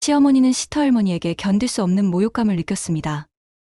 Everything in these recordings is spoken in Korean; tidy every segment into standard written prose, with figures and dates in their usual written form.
시어머니는 시터할머니에게 견딜 수 없는 모욕감을 느꼈습니다.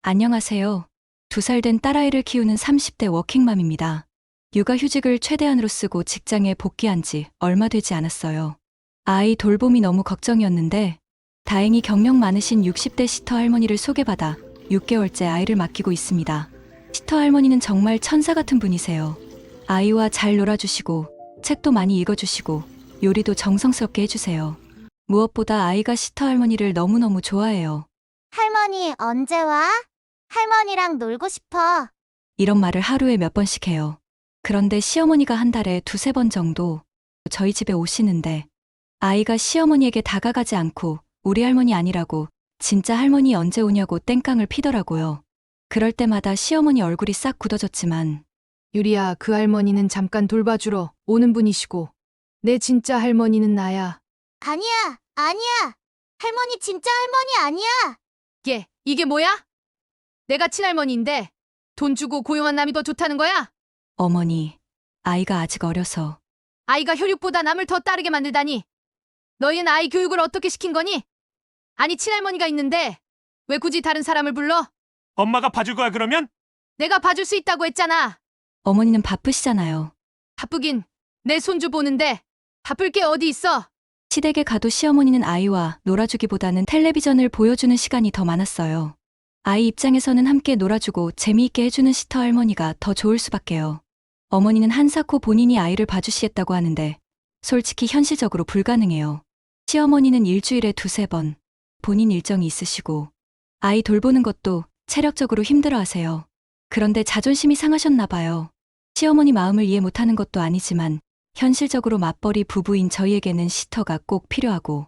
안녕하세요. 2살 된 딸아이를 키우는 30대 워킹맘입니다. 육아휴직을 최대한으로 쓰고 직장에 복귀한 지 얼마 되지 않았어요. 아이 돌봄이 너무 걱정이었는데 다행히 경력 많으신 60대 시터할머니를 소개받아 6개월째 아이를 맡기고 있습니다. 시터할머니는 정말 천사 같은 분이세요. 아이와 잘 놀아주시고 책도 많이 읽어주시고 요리도 정성스럽게 해주세요. 무엇보다 아이가 시터할머니를 너무너무 좋아해요. 할머니, 언제 와? 할머니랑 놀고 싶어. 이런 말을 하루에 몇 번씩 해요. 그런데 시어머니가 한 달에 2~3번 정도 저희 집에 오시는데 아이가 시어머니에게 다가가지 않고 우리 할머니 아니라고 진짜 할머니 언제 오냐고 땡깡을 피더라고요. 그럴 때마다 시어머니 얼굴이 싹 굳어졌지만 유리야, 그 할머니는 잠깐 돌봐주러 오는 분이시고 내 진짜 할머니는 나야. 아니야, 아니야. 할머니 진짜 할머니 아니야. 이게 뭐야? 내가 친할머니인데 돈 주고 고용한 남이 더 좋다는 거야? 어머니, 아이가 아직 어려서 아이가 혈육보다 남을 더 따르게 만들다니. 너희는 아이 교육을 어떻게 시킨 거니? 아니, 친할머니가 있는데 왜 굳이 다른 사람을 불러? 엄마가 봐줄 거야 그러면? 내가 봐줄 수 있다고 했잖아. 어머니는 바쁘시잖아요. 바쁘긴 내 손주 보는데 바쁠 게 어디 있어? 시댁에 가도 시어머니는 아이와 놀아주기보다는 텔레비전을 보여주는 시간이 더 많았어요. 아이 입장에서는 함께 놀아주고 재미있게 해주는 시터할머니가 더 좋을 수밖에요. 어머니는 한사코 본인이 아이를 봐주시겠다고 하는데 솔직히 현실적으로 불가능해요. 시어머니는 일주일에 2~3번 본인 일정이 있으시고 아이 돌보는 것도 체력적으로 힘들어하세요. 그런데 자존심이 상하셨나 봐요. 시어머니 마음을 이해 못하는 것도 아니지만 현실적으로 맞벌이 부부인 저희에게는 시터가 꼭 필요하고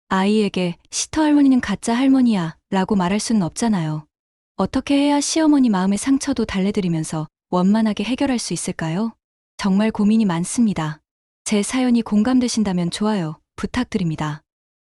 아이에게 시터 할머니는 가짜 할머니야 라고 말할 수는 없잖아요. 어떻게 해야 시어머니 마음의 상처도 달래드리면서 원만하게 해결할 수 있을까요? 정말 고민이 많습니다. 제 사연이 공감되신다면 좋아요 부탁드립니다.